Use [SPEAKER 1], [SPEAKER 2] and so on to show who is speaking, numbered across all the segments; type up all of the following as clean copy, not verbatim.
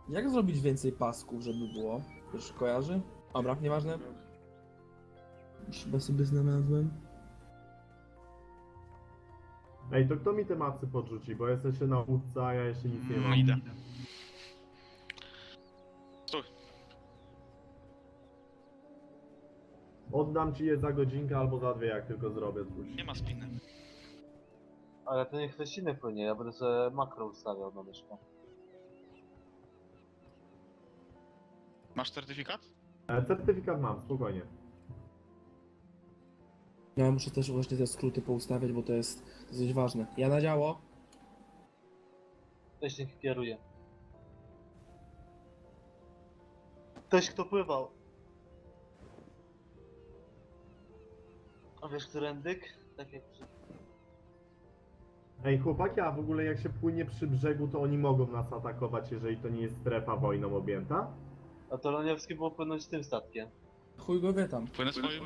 [SPEAKER 1] Jak zrobić więcej pasków, żeby było? Już kojarzy? Dobra, nieważne. Już chyba sobie znalazłem.
[SPEAKER 2] Ej, to kto mi te mapy podrzuci? Bo jest jeszcze na łódce, a ja jeszcze nic nie mam.
[SPEAKER 3] Idę. Stój.
[SPEAKER 2] Oddam ci je za godzinkę albo za 2, jak tylko zrobię coś.
[SPEAKER 3] Nie ma spiny.
[SPEAKER 4] Ale to niech ktoś inny płynie, ja będę sobie makro ustawiał na myszkę.
[SPEAKER 3] Masz certyfikat?
[SPEAKER 2] Certyfikat mam, spokojnie.
[SPEAKER 1] Ja muszę też właśnie te skróty poustawiać, bo to jest dosyć ważne. Ja na działo.
[SPEAKER 4] Ktoś niech kieruje. Ktoś kto pływał. A wiesz, którędyk? Tak jak przy...
[SPEAKER 2] Ej, chłopaki, a w ogóle jak się płynie przy brzegu, to oni mogą nas atakować, jeżeli to nie jest strefa wojną objęta?
[SPEAKER 4] A to Loniewski było płynąć tym statkiem.
[SPEAKER 1] Chuj go wie tam.
[SPEAKER 3] Płynę swoim.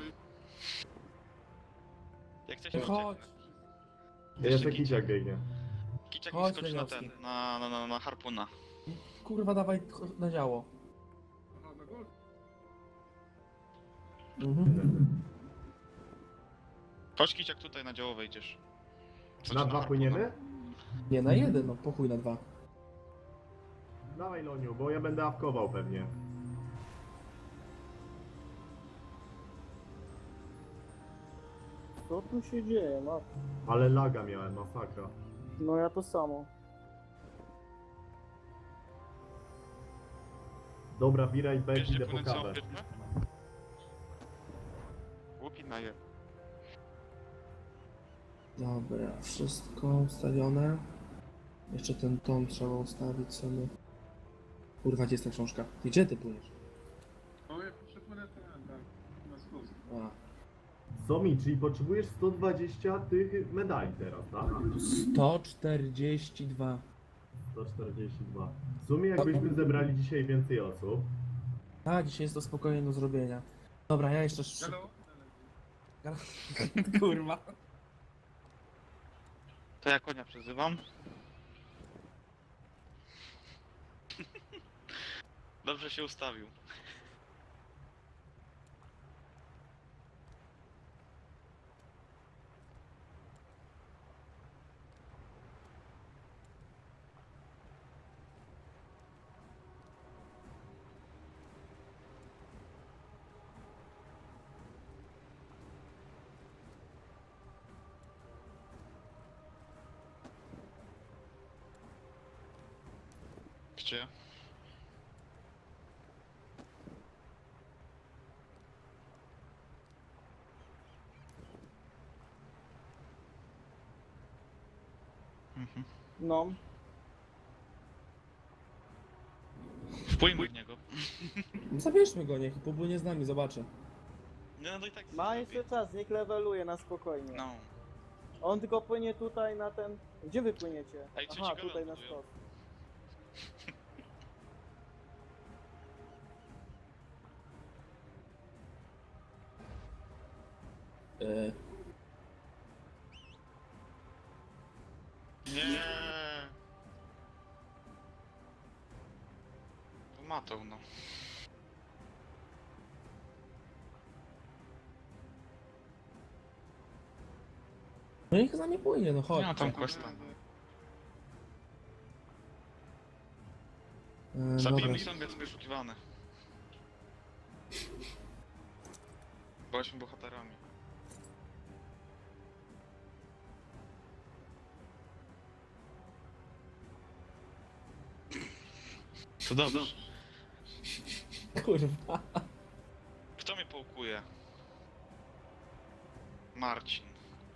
[SPEAKER 3] Jak chcesz,
[SPEAKER 1] Chodź.
[SPEAKER 2] Jeszcze kiciak biegnie.
[SPEAKER 3] Kiciak
[SPEAKER 1] Chodź,
[SPEAKER 3] skocz na ten,
[SPEAKER 1] Leniowski.
[SPEAKER 3] na harpuna.
[SPEAKER 1] Kurwa, dawaj na działo. Mhm.
[SPEAKER 3] Chodź Kiciak tutaj na działo wejdziesz. Co
[SPEAKER 2] Na
[SPEAKER 3] ci
[SPEAKER 2] 2
[SPEAKER 3] harpuna?
[SPEAKER 2] płyniemy?
[SPEAKER 1] Nie, na jeden, no pochuj na 2.
[SPEAKER 2] Dawaj Loniu, bo ja będę awkował pewnie.
[SPEAKER 5] Co tu się dzieje? No,
[SPEAKER 2] Ale laga miałem, masakra.
[SPEAKER 5] no ja to samo.
[SPEAKER 2] Dobra, Bira i Beck,
[SPEAKER 3] Wiesz, gdzie
[SPEAKER 2] idę po
[SPEAKER 3] płynę całą
[SPEAKER 2] kawę.
[SPEAKER 3] firmę? Łupi na je.
[SPEAKER 1] Dobra, wszystko ustawione. Jeszcze ten tom trzeba ustawić sobie. Kurwa, gdzie jest ta książka? Ty gdzie ty płyniesz?
[SPEAKER 6] O, ja przepłynę ten, tak, na spust.
[SPEAKER 1] A,
[SPEAKER 2] Somi, czyli potrzebujesz 120 tych medali teraz, tak?
[SPEAKER 1] 142.
[SPEAKER 2] 142. W sumie jakbyśmy zebrali dzisiaj więcej osób.
[SPEAKER 1] A, dzisiaj jest to spokojnie do zrobienia. Dobra, ja jeszcze szybko.
[SPEAKER 6] Halo?
[SPEAKER 1] Kurwa.
[SPEAKER 3] To ja konia przezywam. Dobrze się ustawił. Gdzie? Mhm.
[SPEAKER 5] No,
[SPEAKER 3] Wpłyńmy w niego.
[SPEAKER 1] Zabierzmy go, niech popłynie z nami, zobaczę.
[SPEAKER 3] Nie, no to i tak
[SPEAKER 5] ma
[SPEAKER 3] zrobi.
[SPEAKER 5] jeszcze czas, niech leveluje na spokojnie.
[SPEAKER 3] No.
[SPEAKER 5] On tylko płynie tutaj na ten... Gdzie wy płyniecie?
[SPEAKER 3] Ej, co
[SPEAKER 5] Aha,
[SPEAKER 3] ci go
[SPEAKER 5] tutaj na
[SPEAKER 3] budują?
[SPEAKER 5] skos.
[SPEAKER 1] Yy,
[SPEAKER 3] Nie. To matą, no.
[SPEAKER 1] no niech z nami płynie, no chodź.
[SPEAKER 3] Nie ma tam questa.
[SPEAKER 1] Dobra.
[SPEAKER 3] Zabijmy i jest wyszukiwany. Byliśmy bohaterami. To dobrze.
[SPEAKER 1] Kurwa.
[SPEAKER 3] Kto mnie połkuje? Marcin.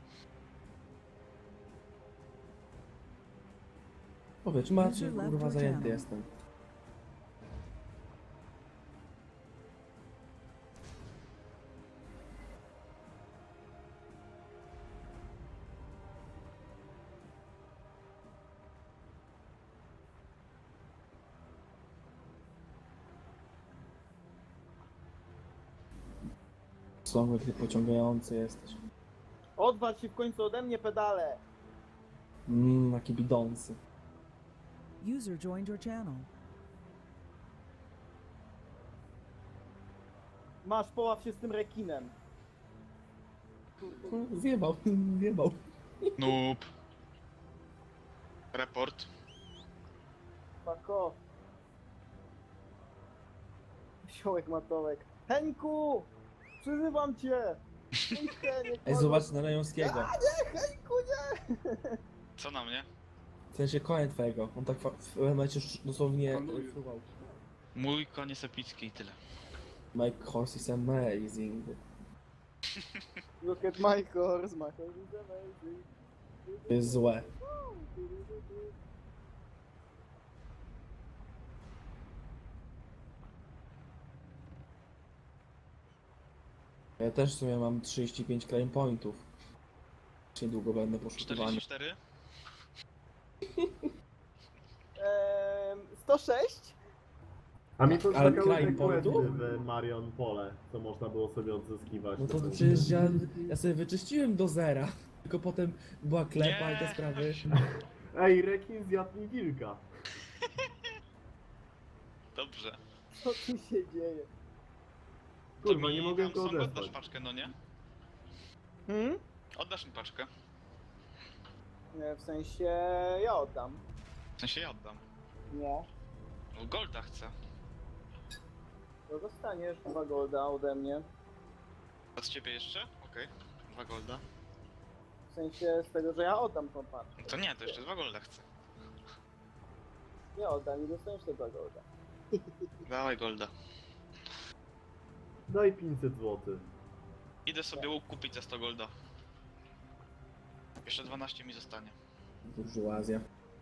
[SPEAKER 1] Powiedz, Marcin, kurwa, zajęty jestem. Słowek, ty pociągający jesteś.
[SPEAKER 5] Odwal się w końcu ode mnie pedale!
[SPEAKER 1] Jaki bidący.
[SPEAKER 7] User joined your channel.
[SPEAKER 5] Masz, poław się z tym rekinem.
[SPEAKER 1] Zjebał, zjebał.
[SPEAKER 3] Noob. Report.
[SPEAKER 5] Fuck off. Wsiołek matołek. Henku! Przyzywam cię! Ej, Heniek,
[SPEAKER 1] Ej, zobacz na Rejonskiego.
[SPEAKER 5] Nie, Henku, nie!
[SPEAKER 3] Co na mnie?
[SPEAKER 1] W sensie konia twojego. On tak w pewnym momencie dosłownie
[SPEAKER 6] Panuje.
[SPEAKER 1] fruwał.
[SPEAKER 3] Mój koniec epicki i tyle.
[SPEAKER 1] My horse is amazing.
[SPEAKER 5] Look at my horse, my horse is amazing.
[SPEAKER 1] To jest złe. Ja też w sumie mam 35 claim pointów. Niedługo będę poszukiwany.
[SPEAKER 3] 44?
[SPEAKER 5] 106?
[SPEAKER 2] A mi to
[SPEAKER 1] Ale
[SPEAKER 2] czekały
[SPEAKER 1] crime
[SPEAKER 2] te questy
[SPEAKER 1] pointu?
[SPEAKER 2] w Marion Pole, co można było sobie odzyskiwać.
[SPEAKER 1] No to przecież ja sobie wyczyściłem do zera. Tylko potem była klepa i te
[SPEAKER 3] Nie.
[SPEAKER 1] sprawy.
[SPEAKER 2] Ej, rekin zjadł mi wilka.
[SPEAKER 3] Dobrze.
[SPEAKER 5] Co tu się dzieje?
[SPEAKER 3] To
[SPEAKER 2] Kurwa,
[SPEAKER 3] mi
[SPEAKER 2] nie mogę
[SPEAKER 3] tam
[SPEAKER 2] go
[SPEAKER 3] są, oddasz
[SPEAKER 2] odesłać.
[SPEAKER 3] paczkę, no nie?
[SPEAKER 5] Hmm?
[SPEAKER 3] Oddasz mi paczkę.
[SPEAKER 5] Nie, w sensie ja oddam.
[SPEAKER 3] W sensie ja oddam.
[SPEAKER 5] Nie.
[SPEAKER 3] No Golda chcę.
[SPEAKER 5] To dostaniesz 2 golda ode mnie.
[SPEAKER 3] A z ciebie jeszcze? Okej. 2 Golda.
[SPEAKER 5] W sensie z tego, że ja oddam tą paczkę.
[SPEAKER 3] No to nie, to jeszcze 2 Golda chcę.
[SPEAKER 5] Ja oddam i dostaniesz te 2 golda.
[SPEAKER 3] Dawaj Golda.
[SPEAKER 2] Daj 500 zł.
[SPEAKER 3] Idę sobie łuk kupić za 100 Golda. Jeszcze 12 mi zostanie.
[SPEAKER 1] Burżuazja.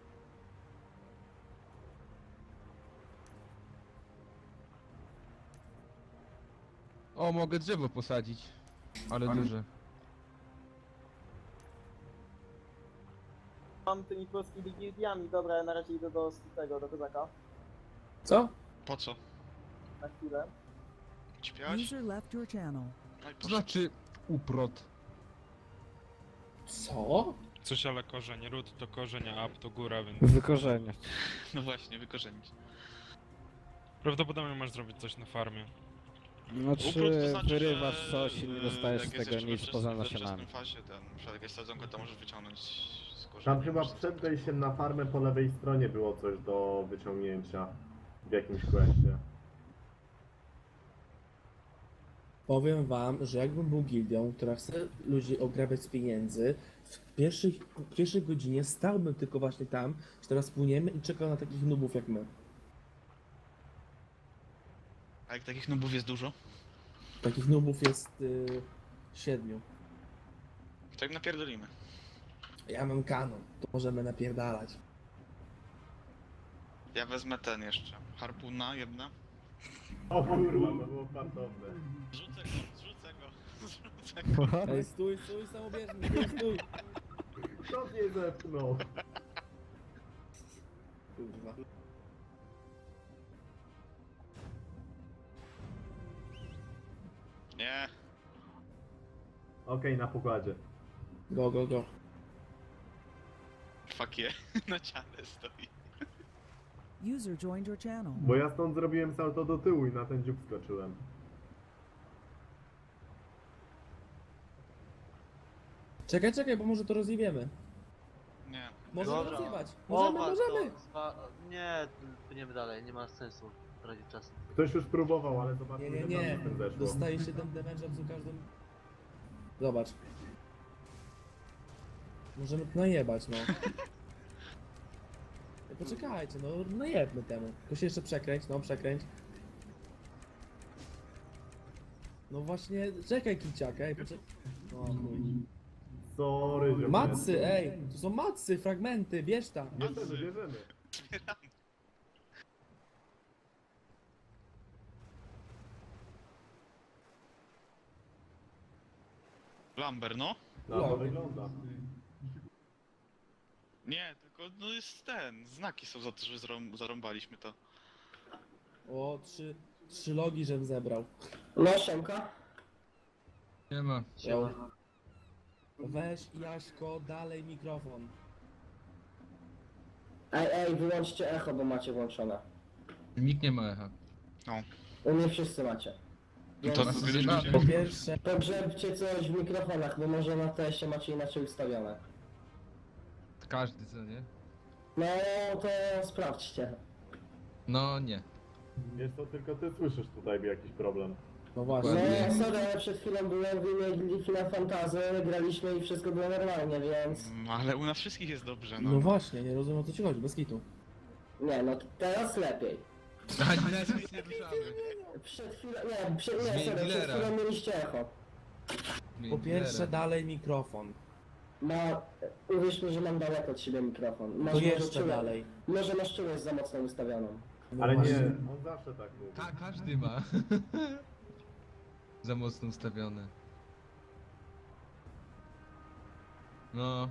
[SPEAKER 7] O, mogę drzewo posadzić. Ale
[SPEAKER 6] Ale-
[SPEAKER 7] duże.
[SPEAKER 5] Mam tymi polskimi gildiami, dobra, ja na razie idę do tego, do kozaka.
[SPEAKER 1] Co?
[SPEAKER 3] Po co?
[SPEAKER 5] Na chwilę.
[SPEAKER 3] Śpiewać?
[SPEAKER 8] User left your channel.
[SPEAKER 3] No i
[SPEAKER 7] To
[SPEAKER 3] poszedł.
[SPEAKER 7] znaczy uprot.
[SPEAKER 1] Co?
[SPEAKER 9] Coś ale korzeń, ród to korzeń, a up to góra, więc
[SPEAKER 10] Wykorzenie.
[SPEAKER 3] No właśnie, wykorzenić.
[SPEAKER 9] prawdopodobnie masz zrobić coś na farmie.
[SPEAKER 10] Znaczy,
[SPEAKER 3] Uprot to znaczy,
[SPEAKER 10] wyrywasz
[SPEAKER 3] że,
[SPEAKER 10] coś i nie dostajesz
[SPEAKER 3] jak
[SPEAKER 10] z
[SPEAKER 3] jest
[SPEAKER 10] tego
[SPEAKER 3] jeszcze
[SPEAKER 10] nic
[SPEAKER 3] we
[SPEAKER 10] poza
[SPEAKER 3] wczesnym-
[SPEAKER 10] nasionami.
[SPEAKER 3] We wczesnym fazie, ten, na przykład jak jest sadzonka, to możesz wyciągnąć z korzenia.
[SPEAKER 2] Tam chyba przed wejściem na farmę po lewej stronie było coś do wyciągnięcia. W jakimś questie.
[SPEAKER 1] Powiem wam, że jakbym był gildią, która chce ludzi ograbiać z pieniędzy, w pierwszej godzinie stałbym tylko właśnie tam, że teraz płyniemy i czekał na takich nubów jak my.
[SPEAKER 3] A jak takich nubów jest dużo?
[SPEAKER 1] Takich nubów jest 7.
[SPEAKER 3] To jak napierdolimy.
[SPEAKER 1] Ja mam kanon, to możemy napierdalać.
[SPEAKER 3] Ja wezmę ten jeszcze. Harpuna jedna.
[SPEAKER 2] O kurwa, to było fartowne.
[SPEAKER 3] Rzucę go, zrzucę go. Zrzucę go.
[SPEAKER 1] Ej, stój, samobieżny, stój.
[SPEAKER 2] Kto mnie zepchnął?
[SPEAKER 1] Kurwa.
[SPEAKER 3] Nie.
[SPEAKER 2] Okej, na pokładzie.
[SPEAKER 1] Go, go, go.
[SPEAKER 3] Fuck je. Na ciele stoi.
[SPEAKER 8] User joined your channel.
[SPEAKER 2] Bo ja stąd zrobiłem salto do tyłu i na ten dziób skoczyłem.
[SPEAKER 1] Czekaj, bo może to rozjebiemy.
[SPEAKER 3] Nie.
[SPEAKER 1] Możemy
[SPEAKER 4] Dobra.
[SPEAKER 1] rozjebać.
[SPEAKER 4] Chować
[SPEAKER 1] Możemy.
[SPEAKER 4] Nie, płyniemy dalej, nie ma sensu tracić czasu.
[SPEAKER 2] Ktoś już próbował, ale zobaczmy,
[SPEAKER 1] Nie,
[SPEAKER 2] że
[SPEAKER 1] nie,
[SPEAKER 2] tam
[SPEAKER 1] nie.
[SPEAKER 2] z tym zeszło.
[SPEAKER 1] Dostaje 7 damage'a przy każdym... Zobacz. Możemy to najebać, no. Ej, poczekajcie, no najebmy temu. Tylko się jeszcze przekręć, no przekręć. No właśnie, czekaj kiciak, ej, poczekaj. O chuj.
[SPEAKER 2] Sorry, ziomeczku.
[SPEAKER 1] Macy, ej, to są macy, fragmenty, bierz tam.
[SPEAKER 2] Bierzemy, bierzemy.
[SPEAKER 3] Zbieram. Lamber, no?
[SPEAKER 2] No to wygląda.
[SPEAKER 3] Nie, tylko no jest ten. Znaki są za to, że zarąbaliśmy to.
[SPEAKER 1] O, trzy logi, żem zebrał.
[SPEAKER 11] No, siemka.
[SPEAKER 7] Nie ma.
[SPEAKER 1] Jo. Weź Jaśko, dalej mikrofon.
[SPEAKER 11] Ej, wyłączcie echo, bo macie włączone.
[SPEAKER 7] Nikt nie ma echa.
[SPEAKER 11] U mnie wszyscy macie. Więc
[SPEAKER 3] To zbierzecie?
[SPEAKER 1] Po pierwsze,
[SPEAKER 11] pogrzebcie coś w mikrofonach, bo może na teście macie inaczej ustawione.
[SPEAKER 7] Każdy, co nie?
[SPEAKER 11] No to sprawdźcie.
[SPEAKER 7] No nie.
[SPEAKER 2] Wiesz co, tylko ty słyszysz tutaj jakiś problem.
[SPEAKER 1] no właśnie.
[SPEAKER 7] Ładnie.
[SPEAKER 11] No sorry, ale przed chwilą byłem w innej gildii na Fantazy, graliśmy i wszystko było normalnie, więc...
[SPEAKER 3] Ale u nas wszystkich jest dobrze,
[SPEAKER 1] No właśnie, nie rozumiem o co ci chodzi, bez kitu.
[SPEAKER 11] Nie, no teraz lepiej.
[SPEAKER 7] Ani nas nic nie ruszamy.
[SPEAKER 11] Przed chwilą,
[SPEAKER 7] Zmień
[SPEAKER 11] przed
[SPEAKER 7] dealera.
[SPEAKER 11] chwilą mieliście echo.
[SPEAKER 1] Po pierwsze, dalej mikrofon.
[SPEAKER 11] Uwierz mi, że mam daleko od siebie mikrofon.
[SPEAKER 1] To
[SPEAKER 11] może
[SPEAKER 1] jeszcze
[SPEAKER 11] czułeś-
[SPEAKER 1] dalej.
[SPEAKER 11] Może masz czułość za mocno ustawioną.
[SPEAKER 1] No
[SPEAKER 2] Ale
[SPEAKER 1] właśnie.
[SPEAKER 2] nie, on zawsze tak mówi.
[SPEAKER 7] Tak, każdy ma. Za mocno ustawione. No.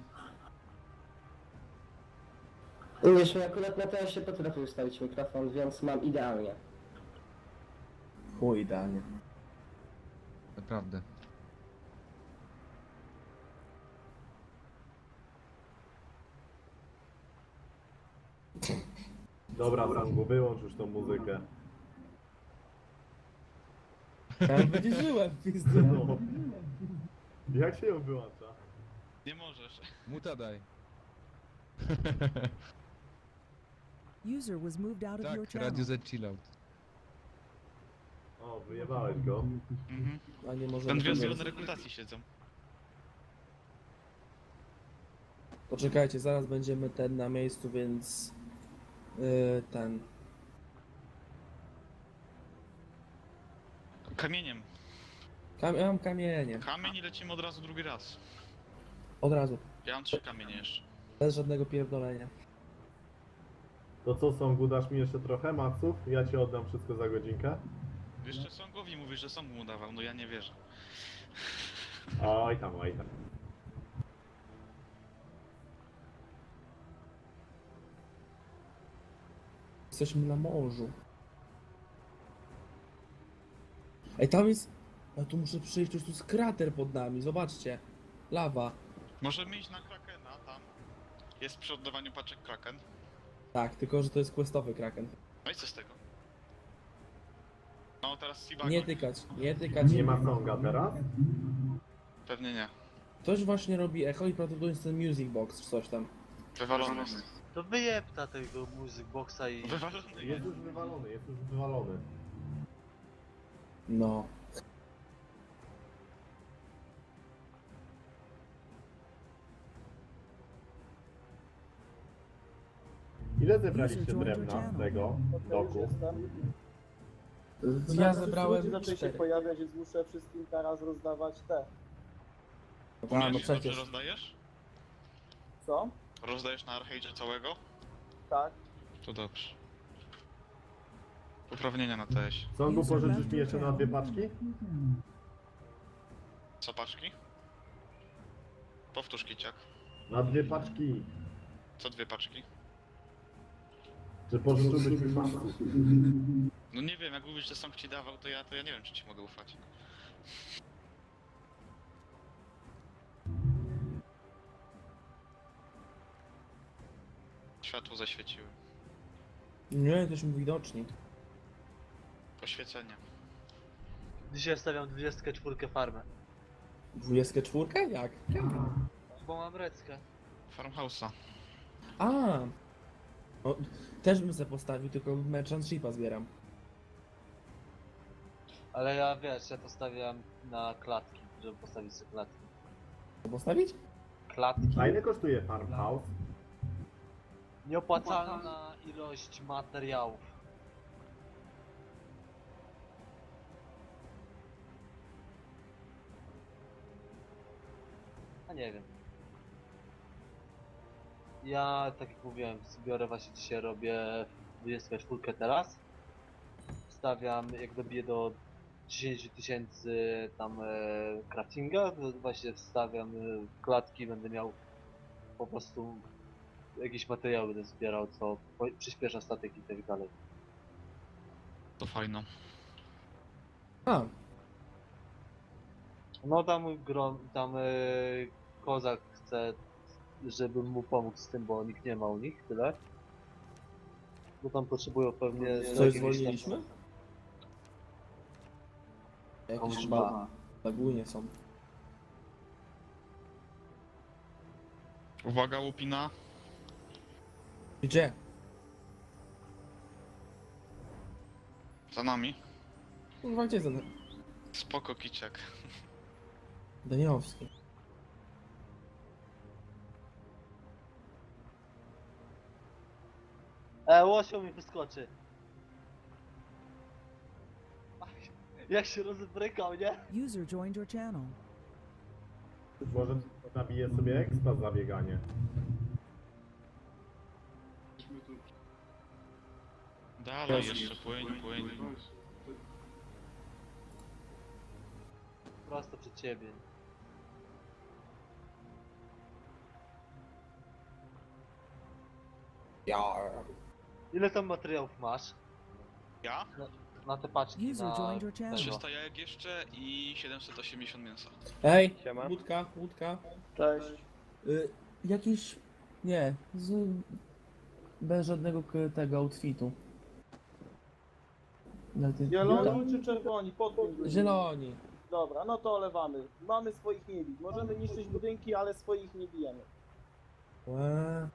[SPEAKER 11] Uwierz mi, akurat na teraz się potrafię ustawić mikrofon, więc mam idealnie.
[SPEAKER 1] Chuj, idealnie.
[SPEAKER 7] Naprawdę.
[SPEAKER 2] Dobra, Zangu, wyłącz już tą muzykę.
[SPEAKER 1] Ja będzie żyłem, pizdy.
[SPEAKER 2] No. Jak się ją wyłącza?
[SPEAKER 3] Nie możesz.
[SPEAKER 7] Muta daj.
[SPEAKER 8] User was moved out of your
[SPEAKER 7] Tak,
[SPEAKER 8] channel.
[SPEAKER 7] Radio Z Chillout.
[SPEAKER 2] O, wyjebałeś go.
[SPEAKER 3] Mhm.
[SPEAKER 1] A nie może.
[SPEAKER 3] Ten dwie zielone rekrutacji siedzą.
[SPEAKER 1] Poczekajcie, zaraz będziemy ten na miejscu, więc... ten...
[SPEAKER 3] Kamieniem.
[SPEAKER 1] Ja mam kamienie.
[SPEAKER 3] Kamień i lecimy od razu drugi raz.
[SPEAKER 1] Od razu.
[SPEAKER 3] Ja mam 3 kamienie jeszcze.
[SPEAKER 1] Bez żadnego pierdolenia.
[SPEAKER 2] To co, Songu, dasz mi jeszcze trochę maców? Ja ci oddam wszystko za godzinkę.
[SPEAKER 3] Jeszcze Songowi mówisz, że Song mu dawał, no ja nie wierzę.
[SPEAKER 2] Oj tam, oj tam.
[SPEAKER 1] Jesteśmy na morzu. Ej, tam jest... Ja tu muszę przyjść, już tu jest krater pod nami, zobaczcie. Lawa.
[SPEAKER 3] Możemy iść na Krakena, tam. Jest przy oddawaniu paczek Kraken.
[SPEAKER 1] Tak, tylko że to jest questowy kraken.
[SPEAKER 3] No i co z tego? No teraz Sibago.
[SPEAKER 1] Nie tykać, nie tykać.
[SPEAKER 2] Nie ma Songa teraz?
[SPEAKER 3] Pewnie nie.
[SPEAKER 1] Ktoś właśnie robi echo i prawdopodobnie jest ten music box czy coś tam.
[SPEAKER 3] Wywalony jest.
[SPEAKER 4] To wyjebta tego Music Boxa i...
[SPEAKER 3] Wywalony jest.
[SPEAKER 2] Jest już wywalony, jest już wywalony.
[SPEAKER 1] No.
[SPEAKER 2] Ile zebraliście drewna z tego doku?
[SPEAKER 5] Jestem.
[SPEAKER 1] Ja zebrałem
[SPEAKER 5] Ludzie zaczęli się
[SPEAKER 1] 4.
[SPEAKER 5] pojawiać, więc muszę wszystkim teraz rozdawać te.
[SPEAKER 1] A, no
[SPEAKER 3] Dobrze
[SPEAKER 1] przecież.
[SPEAKER 3] rozdajesz?
[SPEAKER 5] Co?
[SPEAKER 3] Rozdajesz na Archage'ie całego?
[SPEAKER 5] Tak.
[SPEAKER 3] To dobrze. Uprawnienia na TS.
[SPEAKER 2] Songu, pożyczysz mi jeszcze na 2 paczki?
[SPEAKER 3] Co paczki? Powtórz kiciak.
[SPEAKER 2] Na 2 paczki.
[SPEAKER 3] Co 2 paczki?
[SPEAKER 2] Czy pożyczyłbyś mi maców?
[SPEAKER 3] No nie wiem, jak mówisz, że Song ci dawał, to ja nie wiem, czy ci mogę ufać. Światło zaświeciły.
[SPEAKER 1] Nie, jesteśmy widoczni.
[SPEAKER 3] Poświecenie.
[SPEAKER 4] Dzisiaj stawiam 24 farmę.
[SPEAKER 1] 24? Jak?
[SPEAKER 4] Bo mam reckę.
[SPEAKER 3] Farmhouse'a.
[SPEAKER 1] A. O, też bym se postawił, tylko merchant shipa zbieram.
[SPEAKER 4] Ale ja wiesz, ja postawiam na klatki, żeby postawić sobie klatki.
[SPEAKER 1] Co postawić?
[SPEAKER 4] Klatki.
[SPEAKER 2] A ile kosztuje farmhouse?
[SPEAKER 4] Nieopłacalna ilość materiałów. A nie wiem. Ja, tak jak mówiłem, zbiorę właśnie dzisiaj robię 24 teraz. Wstawiam, jak dobiję do 10 000 tam craftinga, to właśnie wstawiam klatki, będę miał po prostu jakieś materiały będę zbierał, co przyspiesza statek i tak dalej.
[SPEAKER 3] To fajno.
[SPEAKER 1] A.
[SPEAKER 4] No tam kozak chce, żebym mu pomógł z tym, bo nikt nie ma u nich, tyle. Bo tam potrzebują pewnie...
[SPEAKER 1] Coś zwolniliśmy? Jakieś
[SPEAKER 4] Kurwa.
[SPEAKER 1] lagunie są.
[SPEAKER 3] Uwaga, łupina.
[SPEAKER 1] Gdzie?
[SPEAKER 3] Za nami.
[SPEAKER 1] Kurwa, gdzie ten
[SPEAKER 3] Spoko, kiciak.
[SPEAKER 1] Daniowski?
[SPEAKER 4] Łosio mi wyskoczy. Jak się rozbrykał, nie?
[SPEAKER 8] User joined your channel.
[SPEAKER 2] Może nabiję sobie expa za bieganie.
[SPEAKER 6] Myśmy tu...
[SPEAKER 3] Dalej, jeszcze płyń.
[SPEAKER 4] Prosto przed ciebie. Ile tam materiałów masz?
[SPEAKER 3] Ja?
[SPEAKER 4] Na te paczki,
[SPEAKER 8] User
[SPEAKER 4] na...
[SPEAKER 8] joined your channel.
[SPEAKER 3] 300 jajek jeszcze i 780 mięsa.
[SPEAKER 1] Ej,
[SPEAKER 5] Siema.
[SPEAKER 1] łódka.
[SPEAKER 5] Cześć.
[SPEAKER 1] Jakiś... Nie, bez żadnego tego outfitu.
[SPEAKER 5] Zieloni czy czerwoni? Podpój.
[SPEAKER 1] Zieloni.
[SPEAKER 5] Dobra, no to olewamy. Mamy swoich nie bić. Możemy niszczyć budynki, ale swoich nie bijemy.
[SPEAKER 1] Łe.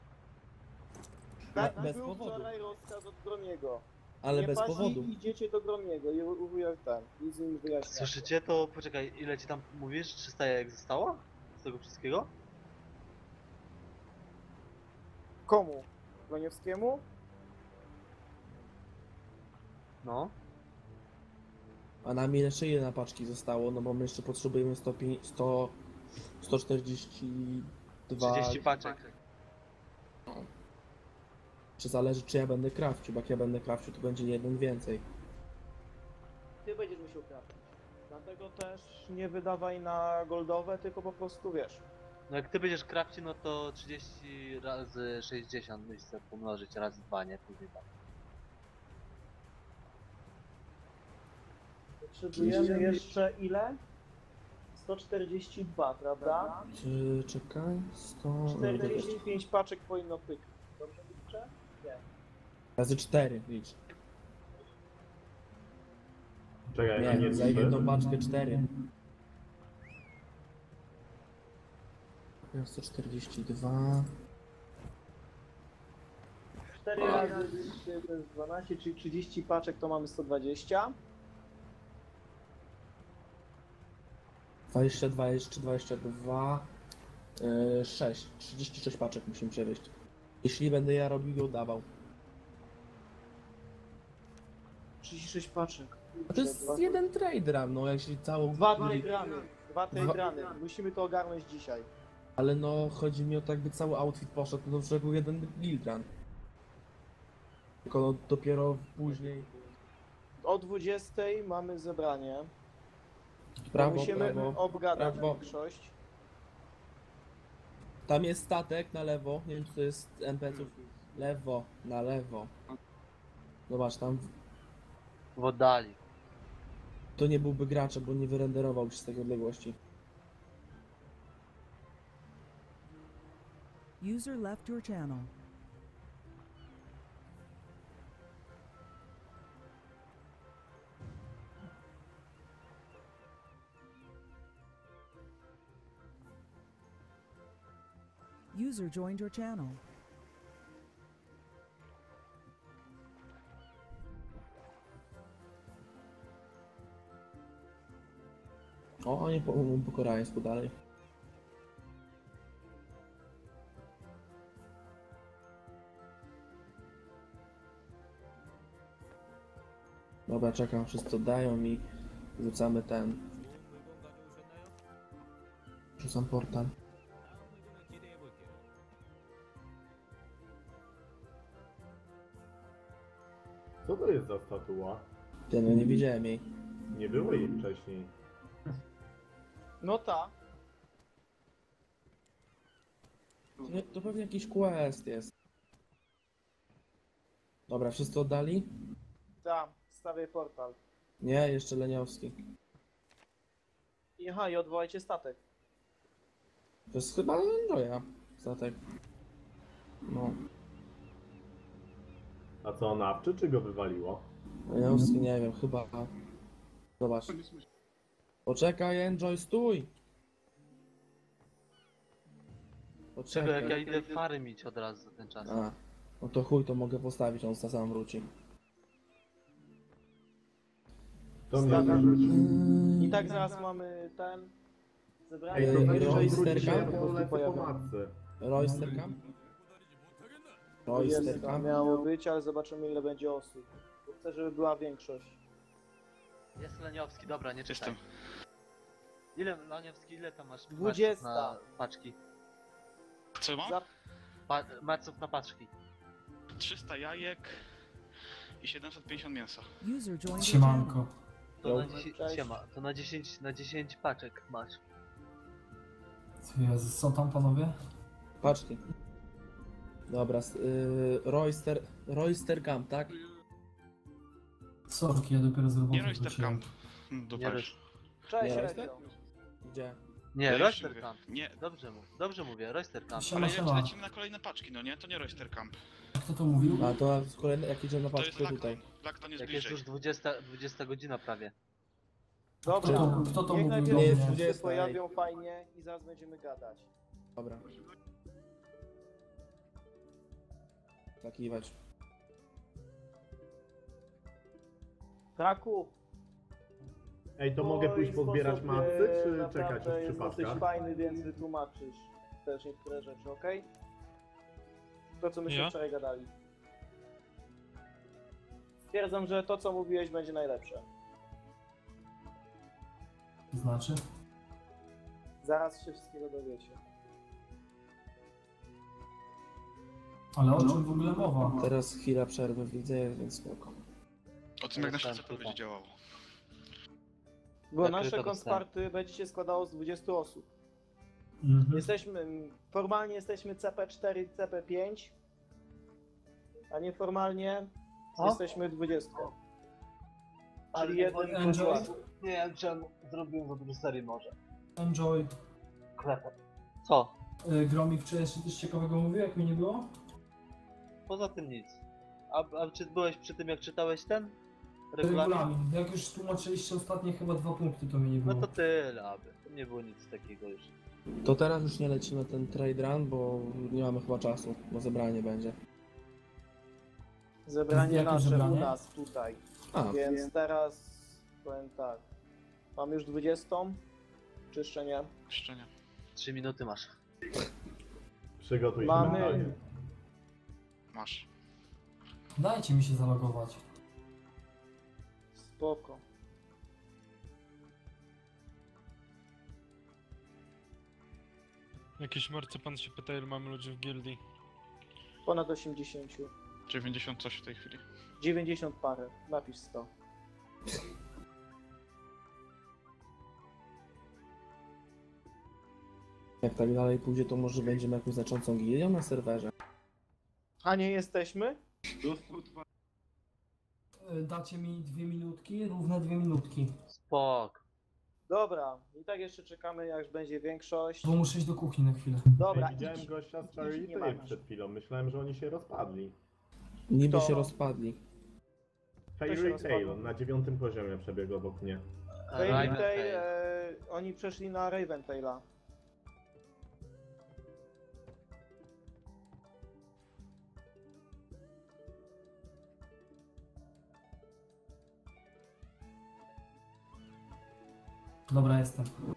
[SPEAKER 5] Tak
[SPEAKER 1] bez
[SPEAKER 5] był
[SPEAKER 1] powodu.
[SPEAKER 5] wczoraj rozkaz od Gromiego.
[SPEAKER 1] Ale
[SPEAKER 5] nie
[SPEAKER 1] bez
[SPEAKER 5] pasi,
[SPEAKER 1] powodu.
[SPEAKER 5] idziecie do Gromiego i uwuję ten. I z nim wyjaśniam.
[SPEAKER 4] Słyszycie? To poczekaj, ile ci tam mówisz? 300 jajek zostało? Z tego wszystkiego?
[SPEAKER 5] Komu? Groniewskiemu?
[SPEAKER 4] No.
[SPEAKER 1] A nam jeszcze ile na paczki zostało? No bo my jeszcze potrzebujemy 142...
[SPEAKER 4] 30 paczek.
[SPEAKER 1] Czy zależy, czy ja będę krawcił, bo jak ja będę krawcił, to będzie jeden więcej.
[SPEAKER 5] Ty będziesz musiał trafić. Dlatego też nie wydawaj na goldowe, tylko po prostu wiesz.
[SPEAKER 4] No jak ty będziesz krawci, no to 30 razy 60 musisz sobie pomnożyć razy 2, nie? Później tak.
[SPEAKER 5] Potrzebujemy jeszcze ile? 142, prawda?
[SPEAKER 1] Czekaj, 100...
[SPEAKER 5] 45 paczek powinno pyknąć. Dobrze liczę? Nie.
[SPEAKER 1] Razy 4 licz.
[SPEAKER 2] Czekaj, a
[SPEAKER 1] Nie, za jedną paczkę 4. 142...
[SPEAKER 5] 4 razy 3 to jest 12, czyli 30 paczek to mamy 120.
[SPEAKER 1] 22 jeszcze 22... 6. 36 paczek musimy przewieźć. Jeśli będę ja robił i oddawał.
[SPEAKER 5] 36 paczek.
[SPEAKER 1] A to jest jeden trade run, no jak się całą...
[SPEAKER 5] Dwa trade runy. Dwa trade runy. Musimy to ogarnąć dzisiaj.
[SPEAKER 1] Ale no, chodzi mi o to, jakby cały outfit poszedł, no to był jeden build run. Tylko no, dopiero później...
[SPEAKER 5] O 20 mamy zebranie.
[SPEAKER 1] Prawo,
[SPEAKER 5] Musimy
[SPEAKER 1] prawo,
[SPEAKER 5] obgadać
[SPEAKER 1] prawo.
[SPEAKER 5] większość.
[SPEAKER 1] Tam jest statek na lewo, nie wiem czy to jest NPC-ów. Lewo, na lewo. Zobacz, tam
[SPEAKER 4] W oddali.
[SPEAKER 1] to nie byłby gracza, bo nie wyrenderował się z tej odległości.
[SPEAKER 8] User left your channel. User joined your channel.
[SPEAKER 1] O, oni po koreańsku dalej. Dobra, czekam, wszyscy oddają i rzucamy ten. Rzucam portal.
[SPEAKER 2] Co to jest za statua?
[SPEAKER 1] Ty, no nie widziałem jej.
[SPEAKER 2] Nie było jej wcześniej.
[SPEAKER 5] No ta.
[SPEAKER 1] To pewnie jakiś quest jest. Dobra, wszyscy oddali?
[SPEAKER 5] Ta. Stawiaj portal.
[SPEAKER 1] Nie, jeszcze Leniowski.
[SPEAKER 5] I aha, i odwołajcie statek.
[SPEAKER 1] To jest chyba Enjoya statek. No.
[SPEAKER 2] A co, nawczy czy go wywaliło?
[SPEAKER 1] Leniowski nie wiem, chyba... Zobacz.
[SPEAKER 6] Nie słyszę.
[SPEAKER 1] Poczekaj, Enjoy, stój!
[SPEAKER 4] Czego jak ja
[SPEAKER 1] Poczekaj.
[SPEAKER 4] idę fary mieć od razu za ten czas.
[SPEAKER 1] A, no to chuj, to mogę postawić, on sam wróci.
[SPEAKER 2] To mnie
[SPEAKER 5] Stawiam.
[SPEAKER 2] wyrzuci.
[SPEAKER 5] I tak zaraz mamy ten... Zebranie.
[SPEAKER 2] Ej, to weź
[SPEAKER 1] Royster
[SPEAKER 2] wróci, ja
[SPEAKER 1] Camp?
[SPEAKER 2] po prostu lecę po matce.
[SPEAKER 1] Royster Camp? Royster Camp?
[SPEAKER 5] Miało być, ale zobaczymy ile będzie osób. Bo chcę, żeby była większość.
[SPEAKER 4] Jest Leniowski, dobra, nie czekaj.
[SPEAKER 3] Jestem.
[SPEAKER 4] Ile, Leniowski, ile tam masz
[SPEAKER 5] 20.
[SPEAKER 4] maców na paczki?
[SPEAKER 3] Co mam?
[SPEAKER 5] Za-
[SPEAKER 4] Maców na paczki.
[SPEAKER 3] 300 jajek i 750 mięsa.
[SPEAKER 8] User joined your channel.
[SPEAKER 10] Siemanko.
[SPEAKER 4] To na
[SPEAKER 5] Cześć.
[SPEAKER 4] 10, siema, to na 10 paczek masz.
[SPEAKER 10] Jezus, co tam panowie?
[SPEAKER 1] Patrzcie. Dobra, Royster Camp, tak?
[SPEAKER 10] Sorki, ja dopiero z roboty
[SPEAKER 3] Nie Royster
[SPEAKER 10] wróciłem.
[SPEAKER 3] Camp. Do
[SPEAKER 4] Nie
[SPEAKER 3] Paryża.
[SPEAKER 5] Cześć,
[SPEAKER 1] Nie,
[SPEAKER 5] Redzio.
[SPEAKER 1] Gdzie?
[SPEAKER 4] Nie,
[SPEAKER 3] Ja już
[SPEAKER 4] Royster
[SPEAKER 3] mówię.
[SPEAKER 4] Camp.
[SPEAKER 3] Nie,
[SPEAKER 4] Dobrze mówię, Royster Camp.
[SPEAKER 10] Siema,
[SPEAKER 3] ale
[SPEAKER 10] siema.
[SPEAKER 3] lecimy na kolejne paczki, no nie? To nie Royster Camp.
[SPEAKER 10] Kto to mówił?
[SPEAKER 1] A to kolejne, jak idziemy na
[SPEAKER 3] To jest
[SPEAKER 1] paczkę
[SPEAKER 3] Lakton.
[SPEAKER 1] tutaj.
[SPEAKER 3] Lakton jest
[SPEAKER 4] Jak jest
[SPEAKER 3] bliżej.
[SPEAKER 4] już 20 godzina prawie.
[SPEAKER 5] Dobra,
[SPEAKER 10] Kto to
[SPEAKER 5] niech
[SPEAKER 10] mówił
[SPEAKER 5] najpierw
[SPEAKER 10] do
[SPEAKER 1] jest
[SPEAKER 10] mnie?
[SPEAKER 1] 20,
[SPEAKER 5] się pojawią fajnie i zaraz będziemy gadać.
[SPEAKER 1] Dobra. Zakiwać.
[SPEAKER 5] Kraków,
[SPEAKER 2] Ej, to mogę pójść
[SPEAKER 5] twój
[SPEAKER 2] pozbierać
[SPEAKER 5] sposób,
[SPEAKER 2] matcy, czy
[SPEAKER 5] naprawdę
[SPEAKER 2] czekać w
[SPEAKER 5] jest dosyć
[SPEAKER 2] przypadkach?
[SPEAKER 5] fajny, więc wytłumaczysz też niektóre rzeczy, okej? To co myśmy
[SPEAKER 9] Ja?
[SPEAKER 5] wczoraj gadali. Stwierdzam, że to co mówiłeś będzie najlepsze.
[SPEAKER 10] To znaczy?
[SPEAKER 5] Zaraz się wszystkiego dowiecie.
[SPEAKER 10] Ale o czym w ogóle mowa?
[SPEAKER 1] Teraz chwila przerwy widzę, więc spoko.
[SPEAKER 3] O tym jak nasze
[SPEAKER 4] Dostałem
[SPEAKER 3] CP będzie
[SPEAKER 4] pyta.
[SPEAKER 3] działało.
[SPEAKER 5] Bo
[SPEAKER 4] Zakryto
[SPEAKER 5] nasze
[SPEAKER 4] dostałem.
[SPEAKER 5] konsparty będzie się składało z 20 osób.
[SPEAKER 10] Mhm.
[SPEAKER 5] Formalnie jesteśmy CP4, CP5, a nieformalnie
[SPEAKER 4] Co?
[SPEAKER 5] jesteśmy 20.
[SPEAKER 4] Ale
[SPEAKER 5] Czyli
[SPEAKER 4] nie
[SPEAKER 5] jeden
[SPEAKER 4] powiem,
[SPEAKER 10] Enjoy.
[SPEAKER 4] Nie wiem, czy on zrobił za dużo serii może.
[SPEAKER 10] Enjoy.
[SPEAKER 4] Klepę. Co?
[SPEAKER 10] Gromik wczoraj jeszcze coś ciekawego mówił, jak mi nie było?
[SPEAKER 4] Poza tym nic. A czy byłeś przy tym jak czytałeś ten? Regulamin?
[SPEAKER 10] Regulamin. Jak już tłumaczyliście ostatnie chyba 2 punkty, to mi nie
[SPEAKER 4] No
[SPEAKER 10] było.
[SPEAKER 4] to tyle, aby. To nie było nic takiego już.
[SPEAKER 1] To teraz już nie lecimy ten trade run, bo nie mamy chyba czasu, bo zebranie będzie.
[SPEAKER 5] Zebranie
[SPEAKER 10] Jakie
[SPEAKER 5] nasze
[SPEAKER 10] zebranie?
[SPEAKER 5] u nas tutaj.
[SPEAKER 1] A,
[SPEAKER 5] Więc teraz powiem tak. Mam już 20, czy jeszcze nie?
[SPEAKER 3] Jeszcze nie.
[SPEAKER 4] 3 minuty masz.
[SPEAKER 2] Przygotuj się
[SPEAKER 5] Mamy.
[SPEAKER 2] mentalnie.
[SPEAKER 3] Masz.
[SPEAKER 10] Dajcie mi się zalogować.
[SPEAKER 5] Spoko.
[SPEAKER 9] Jakiś marcepan się pyta, ile mamy ludzi w gildii.
[SPEAKER 5] Ponad 80.
[SPEAKER 3] 90 coś w tej chwili.
[SPEAKER 5] 90 parę. Napisz 100.
[SPEAKER 1] jak tak dalej pójdzie, to może będziemy jakąś znaczącą gildią na serwerze.
[SPEAKER 5] A nie jesteśmy?
[SPEAKER 6] Dostał dwa.
[SPEAKER 10] Dacie mi 2 minutki, równe 2 minutki.
[SPEAKER 4] Spok.
[SPEAKER 5] Dobra. I tak jeszcze czekamy, jak będzie większość.
[SPEAKER 10] Bo muszę iść do kuchni na chwilę.
[SPEAKER 5] Dobra,
[SPEAKER 2] Ej, widziałem
[SPEAKER 5] idź.
[SPEAKER 2] gościa z
[SPEAKER 5] Nie
[SPEAKER 2] Charity
[SPEAKER 5] ma.
[SPEAKER 2] przed chwilą. Myślałem, że oni się rozpadli.
[SPEAKER 1] Niby
[SPEAKER 5] To-
[SPEAKER 1] się rozpadli.
[SPEAKER 2] Fairy
[SPEAKER 5] rozpadł?
[SPEAKER 2] Tail na 9 poziomie przebiegł obok mnie.
[SPEAKER 5] Raven
[SPEAKER 4] Raven
[SPEAKER 5] Tail,
[SPEAKER 4] Tail.
[SPEAKER 5] oni przeszli na Raven Taila.
[SPEAKER 10] Dobra, jestem.